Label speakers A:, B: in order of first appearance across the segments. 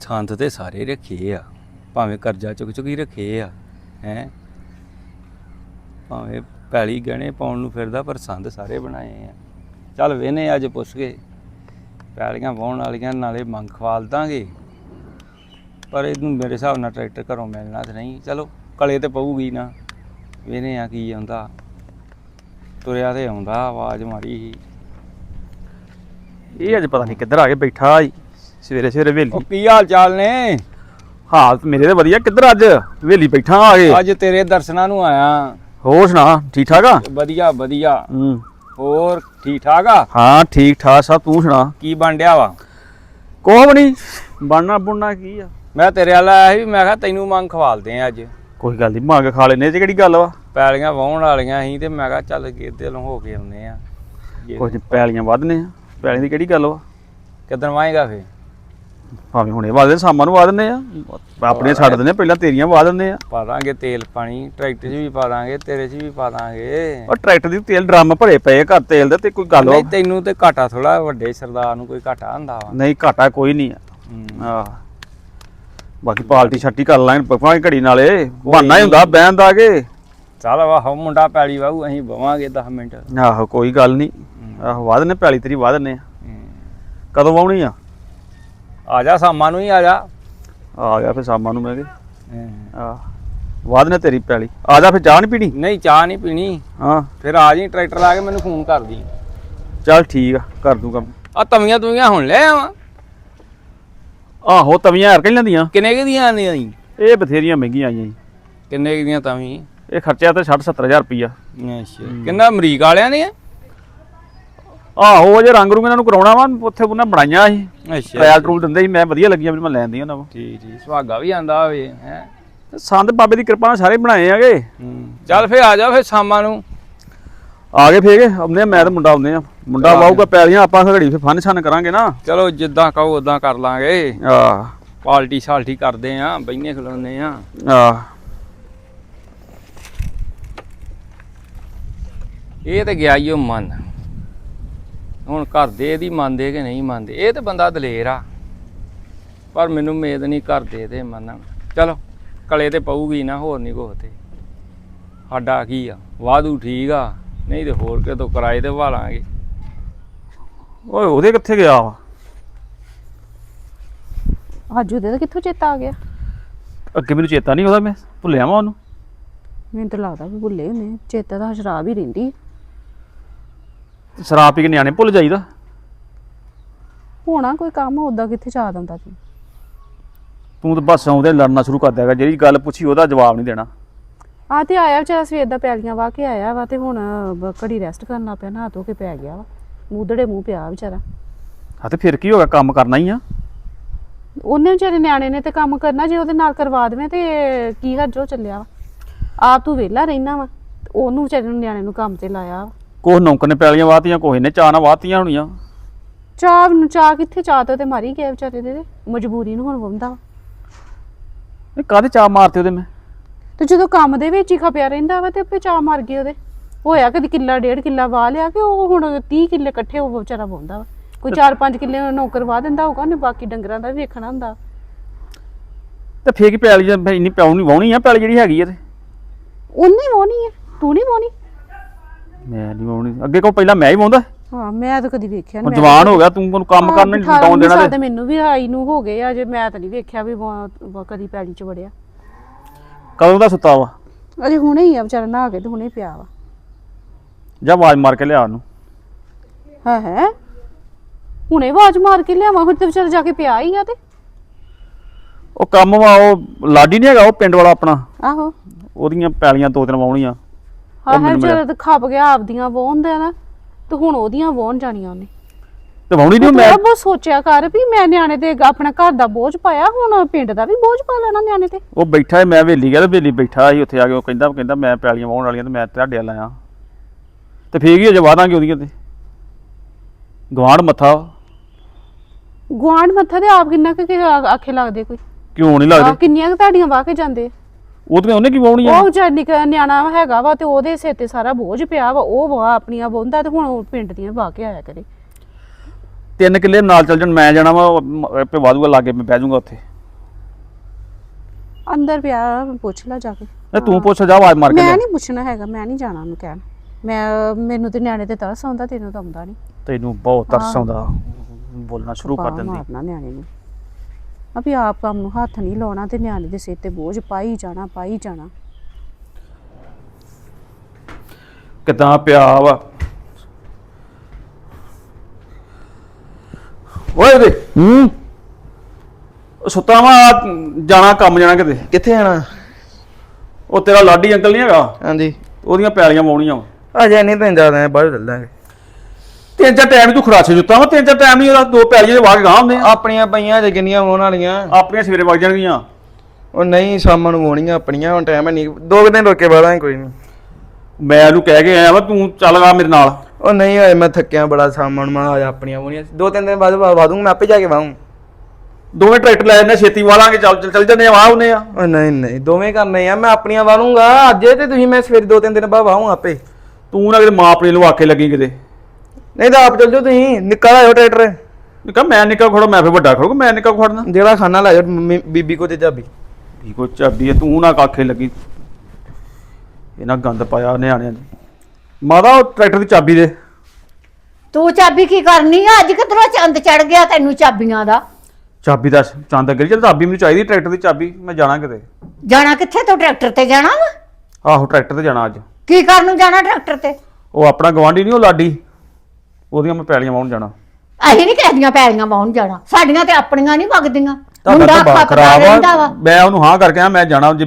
A: ਸੰਦ ਤੇ ਸਾਰੇ ਰੱਖੇ ਆ, ਭਾਵੇਂ ਕਰਜ਼ਾ ਚੁੱਕ ਚੁੱਕੀ ਰੱਖੇ ਆ ਹੈ, ਭਾਵੇਂ ਪੈਲੀ ਗਹਿਣੇ ਪਾਉਣ ਨੂੰ ਫਿਰਦਾ ਪਰ ਸੰਦ ਸਾਰੇ ਬਣਾਏ ਆ। ਚੱਲ ਵੇਨੇ ਅੱਜ ਪੁੱਛ ਕੇ ਪੈਲੀਆਂ ਵਾਹੁਣ ਵਾਲੀਆਂ ਨਾਲੇ ਮੰਗ ਖਵਾਲ ਦਾਂਗੇ, ਪਰ ਇਹਨੂੰ ਮੇਰੇ ਹਿਸਾਬ ਨਾਲ ਟਰੈਕਟਰ ਘਰੋਂ ਮਿਲਣਾ ਤੇ ਨਹੀਂ। ਚਲੋ ਕਲੇ ਤੇ ਪਊਗੀ ਨਾ, ਵੇਨੇ ਆ ਕੀ ਆਉਂਦਾ। ਤੁਰਿਆ ਤੇ ਆਉਂਦਾ, ਆਵਾਜ਼ ਮਾਰੀ ਸੀ।
B: ਇਹ ਅੱਜ ਪਤਾ ਨਹੀਂ ਕਿੱਧਰ ਆ ਕੇ ਬੈਠਾ ਸਵੇਰੇ ਸਵੇਰੇ ਵੇਲੀ।
A: ਉਹ ਕੀ ਹਾਲ ਚਾਲ ਨੇ?
B: ਹਾਲਤ ਮੇਰੇ ਤੇ ਵਧੀਆ। ਕਿੱਧਰ ਅੱਜ ਵੇਲੀ ਬੈਠਾ ਆ ਕੇ?
A: ਅੱਜ ਤੇਰੇ ਦਰਸ਼ਨਾਂ ਨੂੰ ਆਇਆ।
B: ਹੋਰ ਸੁਣਾ, ਠੀਕ ਠਾਕ ਆ?
A: ਵਧੀਆ ਵਧੀਆ। ਹੋਰ ਠੀਕ ਠਾਕ ਆ?
B: ਹਾਂ ਠੀਕ ਠਾਕ ਸਭ। ਤੂੰ ਸੁਣਾ
A: ਕੀ ਬਣ ਡਿਆ ਵਾ?
B: ਕੁਛ ਵੀ ਨਹੀਂ, ਬਣਨਾ ਬੁਣਨਾ ਕੀ ਆ।
A: ਮੈਂ ਤੇਰੇ ਵੱਲ ਆਇਆ ਸੀ, ਮੈਂ ਕਿਹਾ ਤੈਨੂੰ ਮੰਗ ਖਵਾਲਦੇ ਆ ਅੱਜ।
B: ਕੋਈ ਗੱਲ ਨਹੀਂ, ਮੰਗ ਖਾ ਲੈਨੇ। ਇਹ 'ਚ ਕਿਹੜੀ ਗੱਲ ਵਾ?
A: ਪੈਲੀਆਂ ਵਾਹੁਣ ਵਾਲੀਆਂ ਸੀ ਤੇ ਮੈਂ ਕਿਹਾ ਚੱਲ ਗੇਦੇ ਨੂੰ ਹੋ ਕੇ ਆਉਂਦੇ ਆ।
B: ਕੁਝ ਪੈਲੀਆਂ ਵੱਧਨੇ ਆ, ਪੈਲੀਆਂ ਦੀ ਕਿਹੜੀ ਗੱਲ ਵਾ?
A: ਕਿੱਦਣ ਵਾਹੇਗਾ ਫੇ?
B: ਭਾਵੇਂ ਹੁਣੇ ਵਾਹ ਦੇ, ਸ਼ਾਮਾਂ ਨੂੰ ਵਾਹ ਦਿੰਦੇ ਆ। ਆਪਣੀਆਂ ਛੱਡ ਦਿੰਦੇ, ਪਹਿਲਾਂ ਤੇਰੀਆਂ ਵਾਹ ਦਿੰਦੇ ਆ।
A: ਪਾ ਦਾਂਗੇ ਤੇਲ ਪਾਣੀ, ਟਰੈਕਟਰ 'ਚ ਵੀ ਪਾ ਦਾਂਗੇ, ਤੇਰੇ 'ਚ ਵੀ ਪਾ ਦਾਂਗੇ।
B: ਉਹ ਟਰੈਕਟਰ ਦੀ ਤੇਲ ਡਰਮ ਭਰੇ ਪਏ ਘਰ ਤੇਲ ਦੇ, ਤੇ ਕੋਈ ਗੱਲ ਵਾ?
A: ਨਹੀਂ ਤੈਨੂੰ ਤੇ ਘਾਟਾ ਥੋੜਾ, ਵੱਡੇ ਸਰਦਾਰ ਨੂੰ ਕੋਈ ਘਾਟਾ ਹੁੰਦਾ ਵਾ।
B: ਨਹੀਂ ਘਾਟਾ ਕੋਈ ਨਹੀਂ ਆ। ਆਹ ਬਾਕੀ ਪਾਲਟੀ ਛੱਟੀ ਕਰ ਲਾਂਗੇ ਪਕਾਂਗੇ ਘੜੀ ਨਾਲੇ, ਬਹਾਨਾ ਹੀ ਹੁੰਦਾ ਬਹਿਣ ਦਾ ਕੇ।
A: ਚੱਲ ਵਾਹ ਮੁੰਡਾ ਪੈਲੀ ਵਾਹੂ, ਅਸੀਂ ਬਵਾਂਗੇ 10 ਮਿੰਟ।
B: ਆਹੋ ਕੋਈ ਗੱਲ ਨਹੀਂ। ਆਹੋ ਵਾਹ ਦਿੰਦੇ, ਪੈਲੀ ਤੇਰੀ ਵਾਹ ਦਿੰਦੇ ਆ। ਕਦੋਂ ਵਾਹੁਣੀ ਆ?
A: ਆ ਜਾ ਸ਼ਾਮਾਂ ਨੂੰ ਹੀ ਆ ਜਾ।
B: ਆ ਗਿਆ ਫਿਰ ਸ਼ਾਮਾਂ ਨੂੰ ਮੈਂ ਕਿ ਆਹ ਵਾਹ ਦਿੰਦੇ ਤੇਰੀ ਪੈਲੀ। ਆ ਜਾ ਫਿਰ, ਚਾਹ ਨਹੀਂ ਪੀਣੀ?
A: ਨਹੀਂ ਚਾਹ ਨਹੀਂ ਪੀਣੀ।
B: ਹਾਂ
A: ਫਿਰ ਆ ਜੀ, ਟਰੈਕਟਰ ਲਾ ਕੇ ਮੈਨੂੰ ਫੋਨ ਕਰ ਦੀ।
B: ਚੱਲ ਠੀਕ ਆ, ਕਰ ਦੂੰ ਕੰਮ।
A: ਆ ਤਵੀਆਂ ਤੁਵੀਆਂ ਹੁਣ ਲੈ ਆਵਾਂ?
B: ਆਹੋ ਤਵੀਆਂ ਹਰ ਕਈ ਲੈਂਦੀਆਂ।
A: ਕਿੰਨੇ ਕੁ ਦੀਆਂ ਆਉਂਦੀਆਂ ਜੀ?
B: ਇਹ ਬਥੇਰੀਆਂ ਮਹਿੰਗੀਆਂ ਆਈਆਂ ਜੀ।
A: ਕਿੰਨੇ ਕੁ ਦੀਆਂ ਤਵੀਂ?
B: ਇਹ ਖਰਚਿਆ ਤੇ 60-70 ਹਜ਼ਾਰ ਰੁਪਈਆ।
A: ਅੱਛਾ, ਕਿੰਨਾ ਅਮਰੀਕ ਵਾਲਿਆਂ ਨੇ?
B: ਆਹੋ ਅਜੇ ਰੰਗ ਰੂੰਗ ਇਹਨਾਂ ਨੂੰ ਕਰਾਉਣਾ ਵਾ, ਉੱਥੇ ਉਹਨਾਂ ਬਣਾਈਆਂ ਸੀ।
A: ਅੱਛਾ
B: ਟਰਾਇਲ ਟਰੂਲ ਦਿੰਦੇ ਸੀ, ਮੈਂ ਵਧੀਆ ਲੱਗੀਆਂ, ਮੈਂ ਲੈਂਦੀ ਉਹਨਾਂ ਨੂੰ।
A: ਠੀਕ ਠੀਕ, ਸੁਹਾਗਾ ਵੀ ਆਂਦਾ ਹੋਵੇ ਹੈ।
B: ਸੰਦ ਬਾਬੇ ਦੀ ਕਿਰਪਾ ਨਾਲ ਸਾਰੇ ਬਣਾਏ ਆਗੇ।
A: ਚੱਲ ਫੇ ਆ ਜਾ ਫੇ ਸ਼ਾਮਾਂ ਨੂੰ।
B: ਆ ਗਏ ਫੇਰ ਆਉਂਦੇ ਆ, ਮੈਂ ਤੇ ਮੁੰਡਾ ਆਉਂਦੇ ਆ। ਮੁੰਡਾ ਵਾਹੂਗਾ ਪੈਲੀਆਂ, ਆਪਾਂ ਘੜੀ ਫੇ ਫਨ ਛਨ ਕਰਾਂਗੇ ਨਾ।
A: ਚਲੋ ਜਿੱਦਾਂ ਕਹੋ ਉਦਾਂ ਕਰ ਲਾਂਗੇ।
B: ਆਹ
A: ਪਾਲਟੀ ਸਾਲਟੀ ਕਰਦੇ ਆ, ਬਈਨੇ ਖਲੋਨੇ ਆ।
B: ਆਹ
A: ਇਹ ਤੇ ਗਿਆ ਈ ਉਹ ਮਨ। ਹੁਣ ਘਰ ਦੇ ਇਹਦੀ ਮੰਨਦੇ ਕਿ ਨਹੀਂ ਮੰਨਦੇ। ਇਹ ਤੇ ਬੰਦਾ ਦਲੇਰ ਆ, ਪਰ ਮੈਨੂੰ ਉਮੀਦ ਨਹੀਂ ਕਰਦੇ ਇਹਦੇ ਮੰਨਣ। ਚਲੋ ਕਲੇ ਤੇ ਪਊਗੀ ਨਾ, ਹੋਰ ਨਹੀਂ ਕੁਛ ਤੇ। ਸਾਡਾ ਕੀ ਆ, ਵਾਧੂ ਠੀਕ ਆ, ਨਹੀਂ ਤੇ ਹੋਰ ਕਿਤੋਂ ਕਿਰਾਏ ਤੇ ਵਾਲਾਂਗੇ।
B: ਓਏ ਉਹਦੇ ਕਿੱਥੇ ਗਿਆ ਵਾ?
C: ਅੱਜ ਉਹਦੇ ਦਾ ਕਿੱਥੋਂ ਚੇਤਾ ਆ ਗਿਆ?
B: ਅੱਗੇ ਮੈਨੂੰ ਚੇਤਾ ਨਹੀਂ ਉਹਦਾ, ਮੈਂ ਭੁੱਲਿਆ ਵਾ ਉਹਨੂੰ।
C: ਮੈਨੂੰ ਤਾਂ ਲੱਗਦਾ ਵੀ ਭੁੱਲੇ ਹੁੰਦੇ। ਚੇਤਾ ਤਾਂ ਸ਼ਰਾਬ ਹੀ ਰਹਿੰਦੀ।
B: ਸ਼ਰਾਬ ਪੀ ਕੇ ਨਿਆਣੇ ਭੁੱਲ ਜਾਈਦਾ।
C: ਹੋਣਾ ਕੋਈ ਕੰਮ, ਉਦਾਂ ਕਿੱਥੇ ਚਾਹ ਦਿੰਦਾ ਤੂੰ?
B: ਤੂੰ ਤਾਂ ਬਸ ਆਉਂਦੇ ਲੜਨਾ ਸ਼ੁਰੂ ਕਰ ਦਿਆਗਾ, ਜਿਹੜੀ ਗੱਲ ਪੁੱਛੀ ਉਹਦਾ ਜਵਾਬ ਨਹੀਂ ਦੇਣਾ।
C: ਆ ਤੇ ਆਇਆ ਵਿਚਾਰਾ ਸਵੇਰ ਦਾ ਪੈਲੀਆਂ ਵਾਹ ਕੇ ਆਇਆ ਵਾ, ਤੇ ਹੁਣ ਘੜੀ ਰੈਸਟ ਕਰਨਾ ਪਿਆ, ਨਹਾ ਧੋ ਕੇ ਪੈ ਗਿਆ ਵਾ। ਮੂਧੜੇ ਮੂੰਹ ਪਿਆ ਵਿਚਾਰਾ।
B: ਹਾਂ ਤੇ ਫਿਰ ਕੀ ਹੋ ਗਿਆ, ਕੰਮ ਕਰਨਾ ਹੀ ਆ।
C: ਉਹਨੇ ਵਿਚਾਰੇ ਨਿਆਣੇ ਨੇ ਤੇ ਕੰਮ ਕਰਨਾ, ਜੇ ਉਹਦੇ ਨਾਲ ਕਰਵਾ ਦੇਵੇਂ ਤੇ ਕੀ ਹਰਜੋ ਚੱਲਿਆ ਵਾ। ਆਪ ਤੂੰ ਵਿਹਲਾ ਰਹਿਣਾ ਵਾ, ਉਹਨੂੰ ਵਿਚਾਰੇ ਨੂੰ ਨਿਆਣੇ ਨੂੰ ਕੰਮ ਤੇ ਲਾਇਆ ਵਾ।
B: ਕੋਹ ਨੌਕਰ ਨੇ ਪੈਲੀਆਂ ਵਾਹਤੀਆਂ, ਕੋਹ ਨੇ ਚਾਹ ਨਾਲ ਵਾਹਤੀਆਂ ਹੋਣੀਆਂ।
C: ਚਾਹ ਕਿੱਥੇ, ਚਾਹ ਤੇ ਮਾਰੀ ਗਿਆ ਵਿਚਾਰੇ ਦੇ, ਮਜਬੂਰੀ ਨੂੰ ਹੁਣ ਵੰਦਾ ਵਾ।
B: ਇਹ ਕਾਹਦੇ ਚਾਹ ਮਾਰਤੇ ਉਹਦੇ ਮੈਂ?
C: ਤੇ ਜਦੋਂ ਕੰਮ ਦੇ ਵਿੱਚ ਹੀ ਖਪਿਆ ਰਹਿੰਦਾ ਵਾ ਤੇ ਆਪੇ ਚਾਹ ਮਾਰ ਗਏ ਉਹਦੇ। ਹੋਇਆ ਕਦੀ ਕਿੱਲਾ 1.5 ਕਿੱਲਾ ਵਾਹ ਲਿਆ ਕਿ ਉਹ ਹੁਣ 30 ਕਿੱਲੇ ਇਕੱਠੇ ਉਹ ਵਿਚਾਰਾ ਵਾਹੁੰਦਾ ਵਾ। ਕੋਈ 4-5 ਕਿੱਲੇ ਨੌਕਰ ਵਾਹ ਦਿੰਦਾ ਹੋਊਗਾ, ਉਹਨੇ ਬਾਕੀ ਡੰਗਰਾਂ ਦਾ ਵੀ ਵੇਖਣਾ ਹੁੰਦਾ।
B: ਤੇ ਫੇਰ ਕੀ ਪੈਲੀ ਇੰਨੀ ਪਿਆਉ ਨਹੀਂ ਵਾਹੁਣੀ ਆ ਪੈਲੀ ਜਿਹੜੀ ਹੈਗੀ ਆ ਤੇ?
C: ਉਹਨੇ ਵਾਹੁਣੀ ਹੈ, ਤੂੰ ਨਹੀਂ ਵਾਹੁਣੀ।
B: ਮੈਂ ਨਹੀਂ ਵਾਹੁਣੀ, ਅੱਗੇ ਕੋ ਪਹਿਲਾਂ ਮੈਂ ਹੀ ਵਾਹੁੰਦਾ।
C: ਹਾਂ ਮੈਂ ਤਾਂ ਕਦੀ ਵੇਖਿਆ
B: ਹੁਣ ਜਵਾਨ ਹੋ ਗਿਆ, ਤੂੰ ਮੈਨੂੰ ਕੰਮ ਕਰਨ ਨਹੀਂ ਡਾਉਣ ਦੇਣਾ।
C: ਤੇ ਮੈਨੂੰ ਵੀ ਆਈ ਨੂੰ ਹੋ ਗਏ ਆ, ਜੇ ਮੈਂ ਤਾਂ ਨਹੀਂ ਵੇਖਿਆ ਵੀ ਕਦੀ ਪੈਲੀ 'ਚ ਵੜਿਆ।
B: ਕਦੋਂ ਦਾ ਸੁੱਤਾ ਵਾ?
C: ਅਜੇ ਹੁਣੇ ਹੀ ਆ ਵਿਚਾਰਾ, ਨਹਾ ਕੇ ਤੇ ਹੁਣੇ ਪਿਆ ਵਾ।
B: ਜਾ ਆਵਾਜ਼ ਮਾਰ ਕੇ ਲਿਆ ਉਹਨੂੰ।
C: ਹੈ ਹੁਣੇ ਆਵਾਜ਼ ਮਾਰ ਕੇ ਲਿਆਵਾਂ? ਹੁਣ ਤੇ ਵਿਚਾਰਾ ਜਾ ਕੇ ਪਿਆ ਹੀ ਆ। ਤੇ
B: ਉਹ ਕੰਮ ਵਾ, ਉਹ ਲਾਡੀ ਨਹੀਂ ਹੈਗਾ ਉਹ ਪਿੰਡ ਵਾਲਾ ਆਪਣਾ,
C: ਆਹੋ
B: ਉਹਦੀਆਂ ਪੈਲੀਆਂ 2-3 ਵਾਹੁਣੀਆਂ।
C: ਹਾਂ ਵਿਚਾਰਾ ਤਾਂ ਖੱਪ ਗਿਆ ਆਪਦੀਆਂ ਵਾਹੁੰਦਾ ਨਾ, ਤੇ ਹੁਣ ਉਹਦੀਆਂ ਵਾਹੁਣ ਜਾਣੀਆਂ ਉਹਨੇ।
B: ਤੇ ਵਾਹੁਣੀ ਨਹੀਂ ਮੈਂ
C: ਬਹੁਤ ਸੋਚਿਆ ਕਰ ਵੀ ਮੈਂ ਨਿਆਣੇ ਤੇ ਆਪਣਾ ਘਰ ਦਾ ਬੋਝ ਪਾਇਆ, ਹੁਣ ਪਿੰਡ ਦਾ ਵੀ ਬੋਝ ਪਾ ਲੈਣਾ ਨਿਆਣੇ ਤੇ।
B: ਉਹ ਬੈਠਾ ਹੈ, ਮੈਂ ਵੇਲੀ ਗਿਆ ਤੇ ਵੇਲੀ ਬੈਠਾ ਸੀ ਉੱਥੇ ਆ ਕੇ। ਉਹ ਕਹਿੰਦਾ ਮੈਂ ਪੈਲੀਆਂ ਵਾਹੁਣ ਵਾਲੀਆਂ ਤੇ ਮੈਂ ਤੁਹਾਡੇ ਵੱਲ ਆਇਆ। ਤੇ ਫੇਰ ਹੀ ਅਜੇ ਵਾਦਾਂਗੇ ਉਹਦੀਆਂ ਤੇ ਗਵਾਂਢ ਮੱਥਾ।
C: ਗੁਆਂਢ ਮੱਥਾ ਤੇ ਆਪ ਕਿੰਨਾ ਕੁ ਆਖੇ ਲੱਗਦੇ ਕੋਈ?
B: ਕਿਉਂ ਨਹੀਂ ਲੱਗਦੇ?
C: ਕਿੰਨੀਆਂ ਕੁ ਤੁਹਾਡੀਆਂ ਵਾਹ ਕੇ ਜਾਂਦੇ?
B: ਉਹ ਤੇ ਉਹਨੇ ਕੀ ਵਾਹੁਣੀ ਆ?
C: ਉਹ ਵਿਚਾਰ ਨਿਆਣਾ ਹੈਗਾ ਵਾ ਤੇ ਉਹਦੇ ਸਿਰ ਤੇ ਸਾਰਾ ਬੋਝ ਪਿਆ ਵਾ, ਉਹ ਵਾਹ ਆਪਣੀਆਂ ਵਾਹੁੰਦਾ ਤੇ ਹੁਣ ਉਹ ਪਿੰਡ ਦੀਆਂ ਵਾਹ ਕੇ ਆਇਆ ਕਰੇ।
B: 3 ਕਿੱਲੇ ਨਾਲ ਚੱਲ ਜਾਣ, ਮੈਂ ਜਾਣਾ ਵਾ ਆਪੇ ਵਾਧੂਗਾ, ਲਾਗੇ ਮੈਂ ਬਹਿ ਜਾਊਂਗਾ ਉੱਥੇ।
C: ਅੰਦਰ ਪਿਆ ਪੁੱਛ ਲੈ ਜਾ ਕੇ।
B: ਇਹ ਤੂੰ ਪੁੱਛ ਜਾ ਆਵਾਜ਼ ਮਾਰ ਕੇ
C: ਮੈਂ
B: ਲਿਆ।
C: ਨਹੀਂ ਪੁੱਛਣਾ ਹੈਗਾ, ਮੈਂ ਨਹੀਂ ਜਾਣਾ ਉਹਨੂੰ ਕਹਿਣ। ਮੈਨੂੰ ਤੇ ਨਿਆਣੇ ਤੇ ਤਰਸ ਆਉਂਦਾ, ਤੈਨੂੰ ਤਾਂ ਆਉਂਦਾ ਨਹੀਂ।
B: ਤੈਨੂੰ ਬਹੁਤ ਤਰਸ ਆਉਂਦਾ, ਬੋਲਣਾ ਸ਼ੁਰੂ ਕਰ ਦਿੰਦੀ।
C: ਮਾਰਨਾ ਨਿਆਣੇ ਨੂੰ ਅਭੀ ਆਪ ਕੰਮ ਨੂੰ ਹੱਥ ਨਹੀਂ ਲਾਉਣਾ ਤੇ ਨਿਆਣੇ ਦੇ ਸਿਰ ਤੇ ਬੋਝ ਪਾਈ ਜਾਣਾ ਪਾਈ ਜਾਣਾ।
B: ਕਿਦਾਂ ਪਿਆ ਵਾ ਓਏ ਦੇ ਸੁੱਤਾ ਵਾ, ਜਾਣਾ ਕੰਮ ਜਾਣਾ ਕਿਤੇ।
D: ਕਿੱਥੇ ਆਣਾ?
B: ਉਹ ਤੇਰਾ ਲਾਡੀ ਅੰਕਲ ਨਹੀਂ ਹੈਗਾ,
D: ਹਾਂਜੀ
B: ਉਹਦੀਆਂ ਪੈਲੀਆਂ ਵਾਉਣੀਆਂ ਵਾ।
D: ਅਜੇ ਨਹੀਂ ਤੈਨੂੰ ਜ਼ਿਆਦਾ ਬਾਹਰ ਚੱਲਾਂਗੇ।
B: ਤਿੰਨ ਚਾਰ ਟਾਈਮ ਤੂੰ ਖਰਾਸੇ ਜੁੱਤਾ ਵਾ, ਤਿੰਨ ਚਾਰ ਟਾਈਮ ਨਹੀਂ ਉਹਦਾ ਦੋ ਪੈਲੀਆਂ ਦੇ ਵਾਹ ਕੇ ਗਾਹ ਹੁੰਦੇ ਆ।
D: ਆਪਣੀਆਂ ਪਈਆਂ ਜੇ ਕਿੰਨੀਆਂ ਹੋਣ ਵਾਲੀਆਂ।
B: ਆਪਣੀਆਂ ਸਵੇਰੇ ਵਗ ਜਾਣਗੀਆਂ।
D: ਉਹ ਨਹੀਂ ਸ਼ਾਮਾਂ ਨੂੰ ਹੋਣੀਆਂ ਆਪਣੀਆਂ, ਹੁਣ ਟਾਈਮ ਨਹੀਂ, 2 ਦਿਨ ਰੋਕੇ ਬਾਅਦਾਂ ਕੋਈ ਨਹੀਂ।
B: ਮੈਂ ਉਹਨੂੰ ਕਹਿ ਕੇ ਆਇਆ ਵਾ ਤੂੰ ਚੱਲ ਆ ਮੇਰੇ ਨਾਲ।
D: ਉਹ ਨਹੀਂ ਹੋਏ, ਮੈਂ ਥੱਕਿਆ ਬੜਾ, ਸ਼ਾਮਾਂ ਨੂੰ ਮੈਂ ਆ ਜਾ ਆਪਣੀਆਂ ਹੋਣੀਆਂ। 2-3 ਦਿਨ ਬਾਅਦ ਵਾ ਦੂੰਗਾ, ਮੈਂ ਆਪੇ ਜਾ ਕੇ ਵਾਹੂੰ।
B: ਦੋਵੇਂ ਟਰੈਕਟਰ ਲੈ ਜਾਂਦੇ, ਛੇਤੀ ਵਾਲਾਂਗੇ, ਚੱਲ ਜੰਨੇ ਵਾਹ ਉਹਨੇ ਆ।
D: ਉਹ ਨਹੀਂ ਦੋਵੇਂ ਕਰਨੇ ਆ, ਮੈਂ ਆਪਣੀਆਂ ਵਾਲੂੰਗਾ ਅੱਜ ਤੇ ਤੁਸੀਂ ਮੈਂ ਸਵੇਰੇ 2-3 ਦਿਨ ਬਾਅਦ ਵਾਹੂੰ ਆਪੇ।
B: ਤੂੰ ਨਾ ਕਿਤੇ ਮਾਂ ਆਪਣੀ ਨੂੰ ਆਕੇ ਲੱਗੀ ਕਿਤੇ।
D: ਨਹੀਂ ਤਾਂ ਆਪ ਚੱਲ ਜਾਓ ਤੁਸੀਂ, ਨਿੱਕਾ ਲਾਇਓ ਟਰੈਕਟਰ।
B: ਨਿੱਕਾ ਮੈਂ ਨਿੱਕਾ ਖੜੋ, ਮੈਂ ਫਿਰ ਵੱਡਾ ਖੜੂਗਾ। ਮੈਂ ਨਿੱਕਾ ਖੜਨਾ
D: ਜਿਹੜਾ ਖਾਣਾ ਲਾਇਓ ਬੀਬੀ ਕੋ ਤੇ ਚਾਬੀ।
B: ਵੀ ਕੋਈ ਚਾਬੀ ਹੈ, ਤੂੰ ਨਾ ਕਾਖੇ ਲੱਗੀ। ਇਹਨਾਂ ਗੰਦ ਪਾਇਆ ਨਿਆਣਿਆਂ ਨੇ। ਮਾਦਾ ਉਹ ਟਰੈਕਟਰ ਦੀ ਚਾਬੀ ਦੇ।
E: ਤੂੰ ਚਾਬੀ ਕੀ ਕਰਨੀ ਆ? ਅੱਜ ਕਿਧਰੋਂ ਚੰਦ ਚੜ ਗਿਆ ਤੈਨੂੰ ਚਾਬੀਆਂ ਦਾ?
B: ਚਾਬੀ ਦਾ ਚੰਦ ਅੱਗੇ ਚੱਲ, ਚਾਬੀ ਮੈਨੂੰ ਚਾਹੀਦੀ ਟਰੈਕਟਰ ਦੀ ਚਾਬੀ। ਮੈਂ ਜਾਣਾ ਕਿਤੇ।
E: ਜਾਣਾ ਕਿੱਥੇ? ਤੂੰ ਟਰੈਕਟਰ ਤੇ ਜਾਣਾ ਵਾ?
B: ਆਹੋ ਟਰੈਕਟਰ ਤੇ ਜਾਣਾ ਅੱਜ।
E: ਕੀ ਕਰਨ ਨੂੰ ਜਾਣਾ ਟਰੈਕਟਰ ਤੇ?
B: ਉਹ ਆਪਣਾ ਗਵਾਂਢੀ ਨਹੀਂ ਉਹ ਲਾਡੀ, ਉਹਦੀਆਂ ਮੈਂ ਪੈਲੀਆਂ ਵਾਉਣ ਜਾਣਾ।
E: ਅਸੀਂ ਨਹੀਂ ਕਿਸੇ ਦੀਆਂ ਪੈਲੀਆਂ ਵਾਹੁਣ ਜਾਣਾ, ਸਾਡੀਆਂ ਤੇ ਆਪਣੀਆਂ ਨਹੀਂ ਵਗਦੀਆਂ।
B: ਤੁਹਾਡਾ
E: ਮੁੰਡਾ
B: ਤਾਂ ਬਾ
E: ਖਪਦਾ
B: ਖਰਾਬ
E: ਰਹਿੰਦਾ ਵਾ।
B: ਆ। ਮੈਂ ਉਹਨੂੰ ਹਾਂ ਕਰਕੇ ਆ, ਮੈਂ ਜਾਣਾ ਜੇ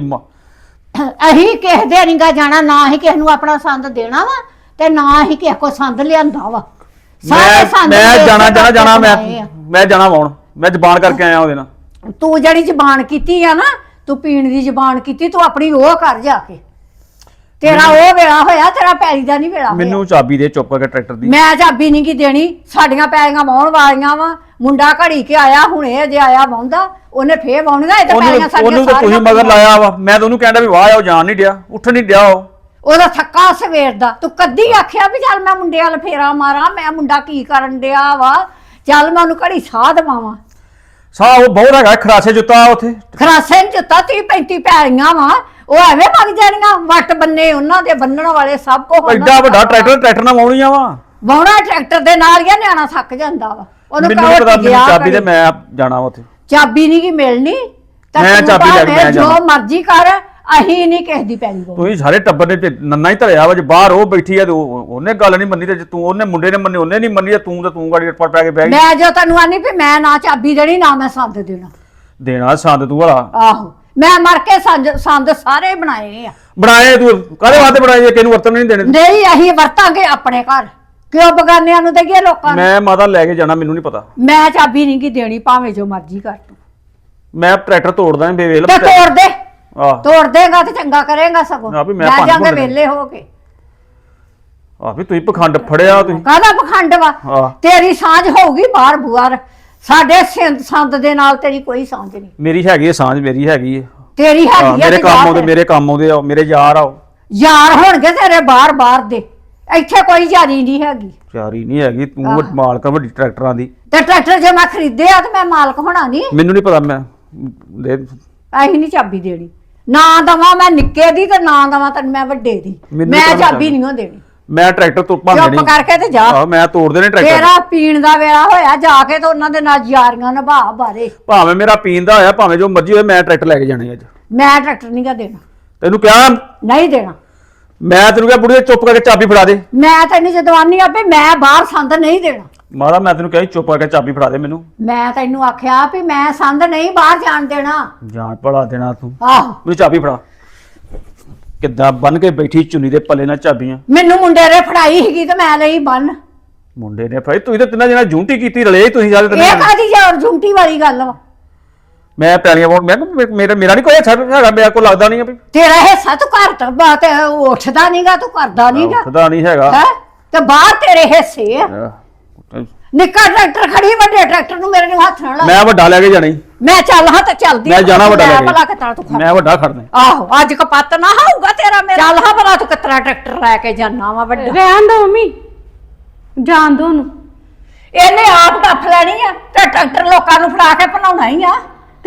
E: ਅਸੀਂ ਕਿਸੇ ਦੇ ਨਹੀਂਗਾ ਜਾਣਾ, ਨਾ ਹੀ ਕਿਸੇ ਨੂੰ ਆਪਣਾ ਸੰਦ ਦੇਣਾ ਵਾ ਤੇ ਨਾ ਹੀ ਕਿਸੇ ਕੋ ਸੰਦ ਲਿਆਂਦਾ ਵਾ। ਸਾਰੇ ਸੰਦ
B: ਮੈਂ
E: ਦੇ
B: ਜਾਣਾ
E: ਕੇ
B: ਜਾਣਾ ਮੈਂ
E: ਬਣਾਏ ਆ।
B: ਮੈਂ ਜਾਣਾ ਵਾਉਣ। ਮੈਂ ਜ਼ਬਾਨ ਕਰਕੇ ਆਇਆ ਉਹਦੇ ਨਾਲ।
E: ਤੂੰ ਜਿਹੜੀ ਜ਼ਬਾਨ ਕੀਤੀ ਆ ਨਾ, ਤੂੰ ਪੀਣ ਦੀ ਜ਼ਬਾਨ ਕੀਤੀ, ਤੂੰ ਆਪਣੀ ਉਹ ਕਰ ਜਾ ਕੇ। ਤੇਰਾ ਉਹ ਵੇਲਾ ਹੋਇਆ, ਤੇਰਾ ਪੈਲੀ ਦਾ ਨਹੀਂ ਵੇਲਾ ਹੋਇਆ।
B: ਮੈਨੂੰ ਚਾਬੀ ਦੇ ਚੁੱਪ ਕਰਕੇ ਟਰੈਕਟਰ ਦੀ।
E: ਮੈਂ ਚਾਬੀ ਨਹੀਂ ਕੀ ਦੇਣੀ, ਸਾਡੀਆਂ ਪੈਲੀਆਂ ਵਾਹੁਣ ਵਾਲੀਆਂ ਵਾ। ਮੁੰਡਾ ਘੜੀ ਕੇ ਆਇਆ, ਹੁਣੇ ਅਜੇ ਆਇਆ ਵਾਹੁੰਦਾ, ਉਹਨੇ ਫੇਰ ਵਾਹੁਣੀਆਂ। ਇਹ ਤਾਂ ਪੈਲੀਆਂ ਸਾਡੀਆਂ
B: ਉਹਨੂੰ ਤਾਂ ਤੁਸੀਂ ਮਗਰ ਲਾਇਆ ਵਾ। ਮੈਂ ਤਾਂ ਉਹਨੂੰ ਕਹਿੰਦਾ ਵੀ ਵਾਹ ਆ, ਉਹ ਜਾਣ ਨਹੀਂ ਡਿਆ, ਉੱਠ ਨਹੀਂ ਡਿਆ ਉਹ।
E: ਉਹਦਾ ਥੱਕਾ ਸਵੇਰ ਦਾ। ਤੂੰ ਕਦੀ ਆਖਿਆ ਵੀ ਚੱਲ ਮੈਂ ਮੁੰਡੇ ਵਾਲ ਫੇਰਾ ਮਾਰਾਂ, ਮੈਂ ਮੁੰਡਾ ਕੀ ਕਰਨ ਡਿਆ ਵਾ, ਚੱਲ ਮੈਂ ਉਹਨੂੰ ਘੜੀ ਸਾਹ ਦਵਾਵਾਂ।
B: ਸਾਹ ਉਹ ਬਹੁਤ ਹੈਗਾ, ਖਰਾਸੇ ਜੁੱਤਾ ਉੱਥੇ।
E: ਖਰਾਸੇ ਨੂੰ ਦਿੱਤਾ 30-35 ਪੈਲੀਆਂ ਵਾ, ਉਹ ਐਵੇਂ ਵਗ ਜਾਣੀਆਂ। ਵੱਟ ਬੰਨੇ ਉਹਨਾਂ ਦੇ ਬੰਨਣ ਵਾਲੇ ਸਭ ਕੋ
B: ਐਡਾ ਵੱਡਾ ਟਰੈਕਟਰ ਨਾਲ ਵਾਉਣੀਆਂ ਵਾ।
E: ਵਾਹੁਣਾ ਟਰੈਕਟਰ ਦੇ ਨਾਲ ਹੀ ਆ, ਨਿਆਣਾ ਥੱਕ ਜਾਂਦਾ ਵਾ। ਉਹਨੂੰ
B: ਮੈਨੂੰ ਨੀ ਪਤਾ,
E: ਕਹੋ
B: ਮੈਨੂੰ ਚਾਬੀ ਦੇ, ਮੈਂ ਜਾਣਾ ਉੱਥੇ।
E: ਚਾਬੀ ਨਹੀਂ ਕੀ ਮਿਲਣੀ ਤਾਂ
B: ਮੈਂ
E: ਤੂੰ
B: ਚਾਬੀ ਲੈ ਕੇ
E: ਭਾਵੇਂ
B: ਮੈਂ ਜਾਣਾ।
E: ਜੋ ਮਰਜ਼ੀ ਕਰ, ਅਸੀਂ ਨਹੀਂ ਕਿਸੇ ਦੀ ਪੈਲੀ ਕੋ।
B: ਤੁਸੀਂ ਸਾਰੇ ਟੱਬਰ ਨੇ ਨੰਨਾ ਹੀ ਧਰਿਆ ਵਾ। ਜੇ ਬਾਹਰ ਉਹ ਬੈਠੀ ਆ ਤੇ ਉਹਨੇ ਗੱਲ ਨਹੀਂ ਮੰਨੀ, ਤੇ ਜੇ ਤੂੰ ਉਹਨੇ ਮੁੰਡੇ ਨੇ ਮੰਨੀ ਉਹਨੇ ਨਹੀਂ ਮੰਨੀ, ਤੇ ਤੂੰ ਗਾੜੀ ਪਰ ਪੈ ਕੇ ਬਹਿ ਗਈ।
E: ਮੈਂ ਜੋ ਤੈਨੂੰ ਆਨੀ ਵੀ ਮੈਂ ਨਾ ਚਾਬੀ ਦੇਣੀ, ਨਾ ਮੈਂ ਸੰਦ ਦੇਣਾ।
B: ਦੇਣਾ ਸੰਦ ਤੂੰ ਵਾਲਾ।
E: ਆਹੋ ਮੈਂ ਮਰ ਕੇ ਸੰਦ ਸਾਰੇ ਬਣਾਏ ਆ।
B: ਬਣਾਏ ਤੂੰ ਕਾਹਦੇ ਵਾਸਤੇ ਬਣਾਏ ਜੇ ਕਿਹਨੂੰ ਵਰਤਣ ਨਹੀਂ ਦੇਣੇ?
E: ਨਹੀਂ ਅਸੀਂ ਵਰਤਾਂਗੇ ਆਪਣੇ ਘਰ, ਕਿਉਂ ਬਗਾਨਿਆਂ ਨੂੰ ਦੇਈਏ ਲੋਕਾਂ ਨੂੰ?
B: ਮੈਂ ਮਾਤਾ ਲੈ ਕੇ ਜਾਣਾ, ਮੈਨੂੰ ਨਹੀਂ ਪਤਾ।
E: ਮੈਂ ਚਾਬੀ ਨਹੀਂ ਕੀ ਦੇਣੀ, ਭਾਵੇਂ ਜੋ ਮਰਜ਼ੀ ਕਰ ਤੂੰ।
B: ਮੈਂ ਟਰੈਕਟਰ ਤੋੜਦਾ ਬੇਵੇਲ।
E: ਤੇ ਤੋੜ ਦੇ,
B: ਆਹ
E: ਤੋੜ ਦੇਗਾ ਤੇ ਚੰਗਾ ਕਰੇਗਾ ਸਗੋਂ।
B: ਆ ਵੀ ਮੈਂ
E: ਲੈ
B: ਭੰਨ
E: ਜਾਂਗੇ
B: ਭੁੰਨ
E: ਵੇਲੇ ਹੋ ਕੇ।
B: ਆ ਵੀ ਤੁਸੀਂ ਪਖੰਡ ਫੜਿਆ ਤੁਸੀਂ।
E: ਕਾਹਦਾ ਪਖੰਡ ਵਾ?
B: ਆਹ
E: ਤੇਰੀ ਸਾਂਝ ਹੋਊਗੀ ਬਾਹਰ ਬੁਆਰ, ਸਾਡੇ ਸੰਦ ਦੇ ਨਾਲ ਤੇਰੀ ਕੋਈ ਸਾਂਝ ਨਹੀਂ।
B: ਮੇਰੀ ਹੈਗੀ ਹੈ ਸਾਂਝ, ਮੇਰੀ ਹੈਗੀ ਹੈ।
E: ਤੇਰੀ ਹੈਗੀ ਆ
B: ਮੇਰੇ
E: ਤੇ
B: ਕੰਮ
E: ਜਾ
B: ਆਉਂਦੇ,
E: ਫਿਰ।
B: ਮੇਰੇ ਕੰਮ ਆਉਂਦੇ ਆ, ਮੇਰੇ ਯਾਰ ਆ ਉਹ।
E: ਯਾਰ ਹੋਣਗੇ ਤੇਰੇ ਬਾਹਰ ਦੇ, ਇੱਥੇ ਕੋਈ ਯਾਰੀ ਨਹੀਂ ਹੈਗੀ।
B: ਯਾਰੀ ਨਹੀਂ ਹੈਗੀ ਤੂੰ, ਮਾਲਕ ਆ ਵੱਡੀ ਟਰੈਕਟਰਾਂ ਦੀ।
E: ਤੇ ਟਰੈਕਟਰ ਜੇ ਮੈਂ ਖਰੀਦਿਆ ਤੇ ਮੈਂ ਮਾਲਕ ਹੋਣਾ ਨਹੀਂ।
B: ਮੈਨੂੰ ਨਹੀਂ ਪਤਾ, ਮੈਂ ਦੇ
E: ਅਸੀਂ ਨਹੀਂ ਚਾਬੀ ਦੇਣੀ, ਨਾ ਦਵਾਂ ਮੈਂ ਨਿੱਕੇ ਦੀ ਤੇ ਨਾ ਦਵਾਂ ਤੈਨੂੰ ਮੈਂ ਵੱਡੇ ਦੀ।
B: ਮੈਨੂੰ
E: ਮੈਂ
B: ਤਾਂ
E: ਚਾਬੀ ਨਹੀਂ ਦੇਣੀ।
B: ਮੈਂ ਟਰੈਕਟਰ ਤੋਂ ਭੰਨ
E: ਚੁੱਪ
B: ਦੇਣੀ।
E: ਕਰਕੇ ਤੇ ਜਾ।
B: ਆਹੋ ਮੈਂ ਤੋੜ ਦੇਣੇ ਟਰੈਕਟਰ।
E: ਤੇਰਾ ਪੀਣ ਦਾ ਵੇਲਾ ਹੋਇਆ, ਜਾ ਕੇ ਤੇ ਉਹਨਾਂ ਦੇ ਨਾਲ ਯਾਰੀਆਂ ਨਿਭਾ ਬਾਰੇ।
B: ਭਾਵੇਂ ਮੇਰਾ ਪੀਣ ਦਾ ਹੋਇਆ, ਭਾਵੇਂ ਜੋ ਮਰਜ਼ੀ ਹੋਵੇ, ਮੈਂ ਟਰੈਕਟਰ ਲੈ ਕੇ ਜਾਣੇ ਅੱਜ।
E: ਮੈਂ ਟਰੈਕਟਰ ਨਹੀਂ ਗਾ ਦੇਣਾ,
B: ਤੈਨੂੰ ਕਿਹਾ,
E: ਨਹੀਂ ਦੇਣਾ।
B: ਮੈਂ ਤੈਨੂੰ ਕਿਹਾ ਬੁੜੀਏ ਚੁੱਪ ਕਰਕੇ ਚਾਬੀ ਫੜਾ ਦੇ।
E: ਮੈਂ ਤੈਨੂੰ ਜਦਵਾਨੀ ਆਪੇ, ਮੈਂ ਬਾਹਰ ਸੰਦ ਨਹੀਂ ਦੇਣਾ।
B: ਮਾਰਾ ਮੈਂ ਤੈਨੂੰ ਕਿਹਾ ਸੀ ਚੁੱਪ ਕਰਕੇ ਚਾਬੀ ਫੜਾ ਦੇ ਮੈਨੂੰ।
E: ਮੈਂ ਤੈਨੂੰ ਆਖਿਆ ਵੀ ਮੈਂ ਸੰਦ ਨਹੀਂ ਬਾਹਰ ਜਾਣ ਦੇਣਾ।
B: ਜਾਣ ਭਲਾ ਦੇਣਾ ਤੂੰ।
E: ਆਹੋ
B: ਮੈਨੂੰ ਚਾਬੀ ਫੜਾ। ਕਿੱਦਾਂ ਬੰਨ ਕੇ ਬੈਠੀ ਚੁੰਨੀ ਦੇ ਪੱਲੇ ਨਾਲ ਚਾਬੀਆਂ।
E: ਮੈਨੂੰ ਮੁੰਡੇ ਨੇ ਫੜਾਈ ਸੀਗੀ ਤੇ ਮੈਂ ਲਈ ਬੰਨ।
B: ਮੁੰਡੇ ਨੇ ਫੜੀ, ਤੁਸੀਂ ਤਾਂ ਤਿੰਨਾਂ ਜਣਾ ਜੂੰਟੀ ਕੀਤੀ, ਰਲੇ ਤੁਸੀਂ ਸਾਰੇ
E: ਇਹ
B: ਤਿੰਨੇ।
E: ਕਾਦੀ ਯਾਰ ਝੂੰਟੀ ਵਾਲੀ ਗੱਲ ਵਾ?
B: ਮੈਂ ਪੈਲੀਆਂ ਪਾਉਣ, ਮੈਂ ਕਿਹਾ ਮੇਰਾ ਨਹੀਂ ਕੋਈ ਹੈਗਾ, ਮੇਰੇ ਕੋਲ ਲੱਗਦਾ ਨਹੀਂ ਆ ਵੀ।
E: ਤੇਰਾ ਹਿੱਸਾ ਤੂੰ ਘਰ ਤੋਂ ਬਾਤ ਉੱਠਦਾ ਨਹੀਂਗਾ, ਤੂੰ ਕਰਦਾ ਨਹੀਂਗਾ
B: ਉੱਠਦਾ ਨਹੀਂ ਹੈਗਾ।
E: ਹੈ ਤੇ ਬਾਹਰ ਤੇਰੇ ਹਿੱਸੇ ਆ।
B: ਆਹ,
E: ਨਿੱਕਾ ਟਰੈਕਟਰ ਖੜੀ, ਵੱਡੇ ਟਰੈਕਟਰ ਨੂੰ ਮੇਰੇ ਨੂੰ ਹੱਥ ਨਾਲ ਲਾ।
B: ਮੈਂ ਵੱਡਾ ਲੈ ਕੇ ਜਾਣੀ।
E: ਮੈਂ ਚੱਲ ਹਾਂ ਤੇ ਚੱਲਦੀ
B: ਮੈਂ ਜਾਣਾ ਵੱਡਾ ਲੈ
E: ਭਲਾ
B: ਕੇ।
E: ਕਿਤਰਾ ਤੂੰ ਖੜ।
B: ਮੈਂ ਵੱਡਾ ਖੜਨਾ।
E: ਆਹੋ ਅੱਜ ਕਪੱਤ ਨਾ ਹੋਊਗਾ ਤੇਰਾ ਮੇਰਾ। ਚੱਲ ਹਾਂ ਭਲਾ ਤੂੰ ਕਿਤਰਾ ਟਰੈਕਟਰ ਲੈ ਕੇ ਜਾਣਾ ਵਾ ਵੱਡਾ।
C: ਰਹਿਣ ਦੋ ਮੰਮੀ, ਜਾਣ ਦੋ ਉਹਨੂੰ।
E: ਇਹਨੇ ਆਪ ਡੱਫ ਲੈਣੀ ਆ ਤੇ ਟਰੈਕਟਰ ਲੋਕਾਂ ਨੂੰ ਫੜਾ ਕੇ ਭਨਾਉਣਾ ਹੀ ਆ।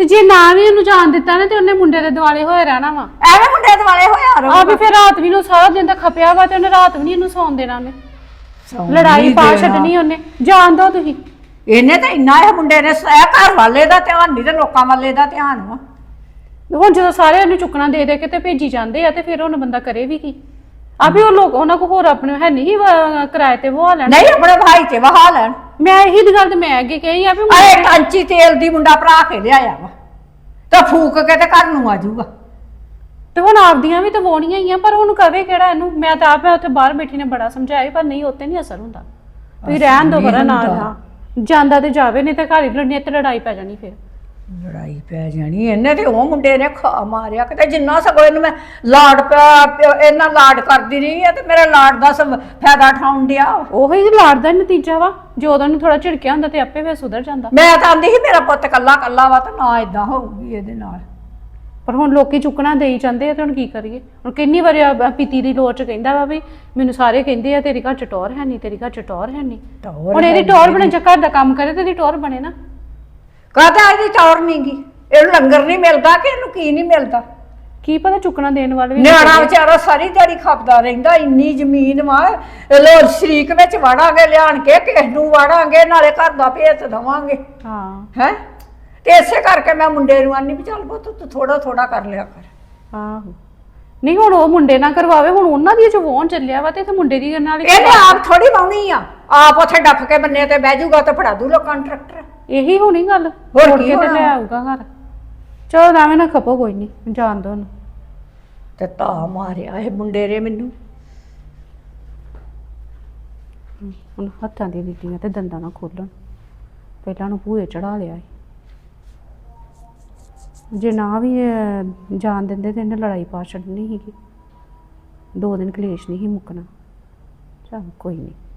C: ਤੇ ਜੇ ਨਾ ਵੀ ਉਹਨੂੰ ਜਾਣ ਦਿੱਤਾ ਨਾ ਤੇ ਉਹਨੇ ਮੁੰਡੇ ਦੇ ਦੁਆਲੇ ਹੋਏ ਰਹਿਣਾ ਵਾ।
E: ਐਵੇਂ ਮੁੰਡੇ ਦੁਆਲੇ ਹੋਇਆ ਰਹੋ
C: ਆ ਵੀ ਫਿਰ ਰਾਤ ਵੀ ਨੂੰ ਸਾਰਾ ਦਿਨ ਤਾਂ ਖਪਿਆ ਵਾ ਤੇ ਉਹਨੇ ਰਾਤ ਵੀ ਨਹੀਂ ਇਹਨੂੰ ਸੌਣ ਦੇਣਾ ਉਹਨੇ। ਲੜਾਈ ਪਾ ਛੱਡਣੀ ਉਹਨੇ। ਜਾਣ ਦੋ ਤੁਸੀਂ।
E: ਇਹਨੇ ਤਾਂ ਇੰਨਾ ਇਹ ਮੁੰਡੇ ਨੇ ਇਹ ਘਰ ਵਾਲੇ ਦਾ ਧਿਆਨ ਨਹੀਂ ਤੇ ਲੋਕਾਂ ਵਾਲੇ ਦਾ ਧਿਆਨ ਵਾ।
C: ਹੁਣ ਜਦੋਂ ਸਾਰੇ ਉਹਨੂੰ ਚੁੱਕਣਾ ਦੇ ਦੇ ਕੇ ਤੇ ਭੇਜੀ ਜਾਂਦੇ ਆ ਤੇ ਫਿਰ ਹੁਣ ਬੰਦਾ ਕਰੇ ਵੀ ਕੀ? ਆ ਵੀ ਉਹ ਲੋਕ ਉਹਨਾਂ ਕੋ ਹੋਰ ਆਪਣੇ ਹੈ ਨਹੀਂ ਕਿਰਾਏ ਤੇ ਵਹਾ ਲੈਣ।
E: ਨਹੀਂ ਆਪਣੇ ਭਾਈ ਤੇ ਵਹਾ ਲੈਣ।
C: ਮੈਂ ਇਹੀ ਦੀ ਗੱਲ ਤੇ ਮੈਂ ਅੱਗੇ ਕਹੀ ਆ ਵੀ
E: ਅਰੇ ਟਾਂਚੀ ਤੇਲ ਦੀ ਮੁੰਡਾ ਭਰਾ ਕੇ ਲਿਆਇਆ ਵਾ ਤਾਂ ਫੂਕ ਕੇ ਤੇ ਘਰ ਨੂੰ ਆ ਜਾਊਗਾ।
C: ਤੇ ਹੁਣ ਆਪਦੀਆਂ ਵੀ ਤਾਂ ਵੋਣੀਆਂ ਹੀ ਆ ਪਰ ਹੁਣ ਕਵੇ ਕਿਹੜਾ ਇਹਨੂੰ। ਮੈਂ ਤਾਂ ਆਪ ਉੱਥੇ ਬਾਹਰ ਬੈਠੀ ਨੇ ਬੜਾ ਸਮਝਾਇਆ ਪਰ ਨਹੀਂ ਉੱਤੇ ਨਹੀਂ ਅਸਰ ਹੁੰਦਾ। ਤੁਸੀਂ ਰਹਿਣ ਦੋ ਬਰਾ ਨਾ ਜਾਂਦਾ ਤੇ ਜਾਵੇ ਨਹੀਂ ਤਾਂ ਘਰ ਹੀ ਲੜਨੀ ਤੇ ਲੜਾਈ ਪੈ ਜਾਣੀ ਫਿਰ।
E: ਲੜਾਈ ਪੈ ਜਾਣੀ ਇਹਨੇ ਤੇ ਉਹ ਮੁੰਡੇ ਨੇ ਖਾ ਮਾਰਿਆ ਕਿਤੇ ਜਿੰਨਾ ਸਗੋਂ ਇਹਨੂੰ ਮੈਂ ਲਾਡ ਪਿਆ ਇਹਨਾਂ ਲਾਡ ਕਰਦੀ ਰਹੀ ਆ ਤੇ ਮੇਰੇ ਲਾਡ ਦਾ ਫਾਇਦਾ ਠਾਉਣ ਡਿਆ।
C: ਉਹੀ ਲਾੜ ਦਾ ਨਤੀਜਾ ਵਾ। ਜੋ ਉਹਨੂੰ ਥੋੜਾ ਝਿੜਕਿਆ ਹੁੰਦਾ ਤੇ ਆਪੇ ਫਿਰ ਸੁਧਰ ਜਾਂਦਾ।
E: ਮੈਂ ਤਾਂ ਆਂਦੀ ਸੀ ਮੇਰਾ ਪੁੱਤ ਕੱਲਾ ਕੱਲਾ ਵਾ ਤੇ ਨਾ ਇਦਾਂ ਹੋਊਗੀ ਇਹਦੇ ਨਾਲ।
C: ਪਰ ਹੁਣ ਲੋਕੀ ਚੁੱਕਣਾ ਦੇਈ ਜਾਂਦੇ ਆ ਤੇ ਹੁਣ ਕੀ ਕਰੀਏ? ਹੁਣ ਕਿੰਨੀ ਵਾਰੀ ਪੀਤੀ ਦੀ ਲੋੜ ਚ ਕਹਿੰਦਾ ਵਾ ਵੀ ਮੈਨੂੰ ਸਾਰੇ ਕਹਿੰਦੇ ਆ ਤੇਰੀ ਘਰ ਚ ਟੌਰ ਹੈ ਨਹੀਂ, ਤੇਰੀ ਘਰ ਚ ਟੌਰ ਹੈ ਨਹੀਂ। ਹੁਣ ਇਹਦੀ ਟੌਰ ਬਣੇ ਜੇ ਘਰ ਦਾ ਕੰਮ ਕਰੇ ਤੇ ਇਹਦੀ ਟੌਰ ਬਣੇ ਨਾ।
E: ਕਾਹਦਾ ਇਹਦੀ ਟੌਰ ਨੀ ਗੀ? ਇਹਨੂੰ ਲੰਗਰ ਨਹੀਂ ਮਿਲਦਾ ਕਿ ਇਹਨੂੰ ਕੀ ਨਹੀਂ ਮਿਲਦਾ?
C: ਕੀ ਪਤਾ ਚੁੱਕਣਾ ਦੇਣ ਵਾਲੇ ਵੀ
E: ਨਿਆਣਾ ਵਿਚਾਰਾ ਸਾਰੀ ਦਿਹਾੜੀ ਖਪਦਾ ਰਹਿੰਦਾ। ਇੰਨੀ ਜ਼ਮੀਨ ਵਾ ਲੋ ਸ਼ਰੀਕ ਵਿੱਚ ਵਾੜਾਂਗੇ ਲਿਆਣ ਕੇ ਕਿਸ ਨੂੰ ਵਾੜਾਂਗੇ ਨਾਲੇ ਘਰ ਦਾ ਭੇਤ ਦਵਾਂਗੇ।
C: ਹਾਂ
E: ਹੈ ਤੇ ਇਸੇ ਕਰਕੇ ਮੈਂ ਮੁੰਡੇ ਨੂੰ ਆਨੀ ਵੀ ਚੱਲ ਪੁੱਤ ਤੂੰ ਥੋੜਾ ਥੋੜਾ ਕਰ ਲਿਆ ਕਰ।
C: ਆਹੋ ਨਹੀਂ ਹੁਣ ਉਹ ਮੁੰਡੇ ਨਾਲ ਕਰਵਾਵੇ। ਹੁਣ ਉਹਨਾਂ ਦੀ ਜੋ ਵੋਣ ਚੱਲਿਆ ਵਾ ਤੇ ਇੱਥੇ ਮੁੰਡੇ ਦੀ ਨਾਲ ਹੀ
E: ਇਹਨੇ ਆਪ ਥੋੜੀ ਵਾਉਣੀ ਆ। ਆਪ ਉੱਥੇ ਡੱਫ ਕੇ ਬੰਨੇ ਤੇ ਬਹਿ ਜਾਊਗਾ ਤੇ ਫੜਾ ਦੂ ਲੋਕਾਂ ਨੂੰ ਟਰੈਕਟਰ।
C: ਇਹੀ ਹੋਣੀ ਗੱਲ।
E: ਹੋਰ
C: ਹੋਰ
E: ਕੀ
C: ਕੇ ਤੇ
E: ਹੋਣਾ?
C: ਲੈ ਆਊਗਾ ਘਰ। ਚਲੋ ਐਵੇਂ ਨਾ ਖਪੋ ਕੋਈ ਨਹੀਂ ਜਾਣ ਦੋ ਉਹਨੂੰ।
E: ਤੇ ਤਾਂ ਮਾਰਿਆ ਇਹ ਮੁੰਡੇ ਨੇ ਮੈਨੂੰ।
C: ਹੁਣ ਹੱਥਾਂ ਦੀ ਦਿੱਤੀਆਂ ਤੇ ਦੰਦਾਂ ਨਾ ਖੋਲਣ। ਪਹਿਲਾਂ ਨੂੰ ਭੂਏ ਚੜਾ ਲਿਆ ਸੀ। ਜੇ ਨਾ ਵੀ ਜਾਣ ਦਿੰਦੇ ਤੇ ਇਹਨੇ ਲੜਾਈ ਪਾ ਛੱਡਣੀ ਸੀਗੀ। 2 ਦਿਨ ਕਲੇਸ਼ ਨਹੀਂ ਸੀ ਮੁੱਕਣਾ। ਚਲ ਕੋਈ ਨਹੀਂ।